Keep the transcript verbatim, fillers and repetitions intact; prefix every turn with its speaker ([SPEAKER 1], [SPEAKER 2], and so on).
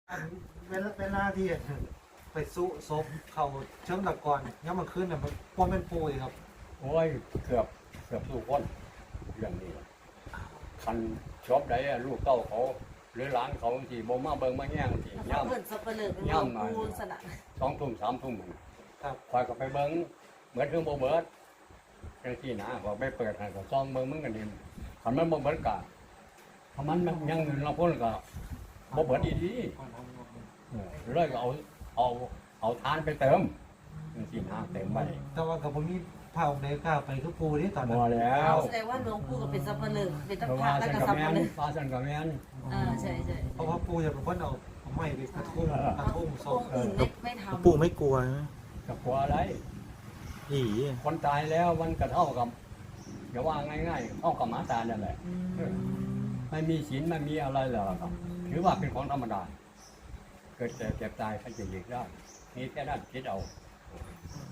[SPEAKER 1] เวลาเวลาที่ไปสู้ซบเขาเชิงตะกอนย้ำมาขึ้นเนี่ยมันป้อมเป็นปูอีกครับ
[SPEAKER 2] โอ้ยเกือบเกือบทุกคนเรื่องนี้คันชอบใดอะลูกเต้าเขาหรือหลานเขาที่บ่มาเบิ่งมาแย่งที่
[SPEAKER 3] เขา
[SPEAKER 2] ย่
[SPEAKER 3] เปิดสับเปลือก
[SPEAKER 2] ย่ำหน่อย
[SPEAKER 3] ปูสนะ
[SPEAKER 2] ำสองทุ่มสามทุ่ม
[SPEAKER 1] ครับ
[SPEAKER 2] คอยก็ไปเบิ่งเหมือนเครื่องบ่เบิดจังซี่นะพอไปเปิดให้ก็ซ่องเบิ่งมันก็ดีคันมันบ่เบิดก็ถ้ามันยังเราพ้นก็บ่เบิดอีดีเออเลยก็เอาเอาเอาทานไปเติมจังซี่นะเติมไป
[SPEAKER 1] แต่ว่ากับผมมีเผาในก้าวไปคือปูนี่ตอนนั้
[SPEAKER 2] บ่
[SPEAKER 1] น
[SPEAKER 2] แล้ว
[SPEAKER 3] แสดงว่าหลวงปู่ก็เป็นสับเปลือกเป็น
[SPEAKER 2] เพ
[SPEAKER 3] ตะ
[SPEAKER 2] ราะ
[SPEAKER 3] พ
[SPEAKER 2] ว่า
[SPEAKER 3] ระแล้ว
[SPEAKER 2] สัน
[SPEAKER 3] ก็
[SPEAKER 2] กับ
[SPEAKER 3] สับ
[SPEAKER 2] แม่
[SPEAKER 3] เป
[SPEAKER 2] น
[SPEAKER 3] ลือก
[SPEAKER 2] ฟ้าสันกับแม่น
[SPEAKER 3] อ่าใช่ใช่
[SPEAKER 1] เพราะว่าปูจะเป็นคนเอาเอาไม้ไปกระทุ่มกระทุ่มศ
[SPEAKER 3] อง
[SPEAKER 1] พ
[SPEAKER 3] ค์อื่นไม่ไม่ทำ
[SPEAKER 4] ปู่ไม่กลัวนะ
[SPEAKER 2] จะกลัวอะไร
[SPEAKER 4] อี
[SPEAKER 2] คนตายแล้วมันก็เท่ากับอย่าว่าง่ายๆเท่ากับหมาตายนั่นแหละ
[SPEAKER 3] อืม
[SPEAKER 2] ไม่มีศีลไม่มีอะไรหรอกครับถือว่าเป็นของธรรมดา เกิดแต่เจ็บตายใครจะหลีกได้นี่แค่นั้นคิดเอา
[SPEAKER 1] อืม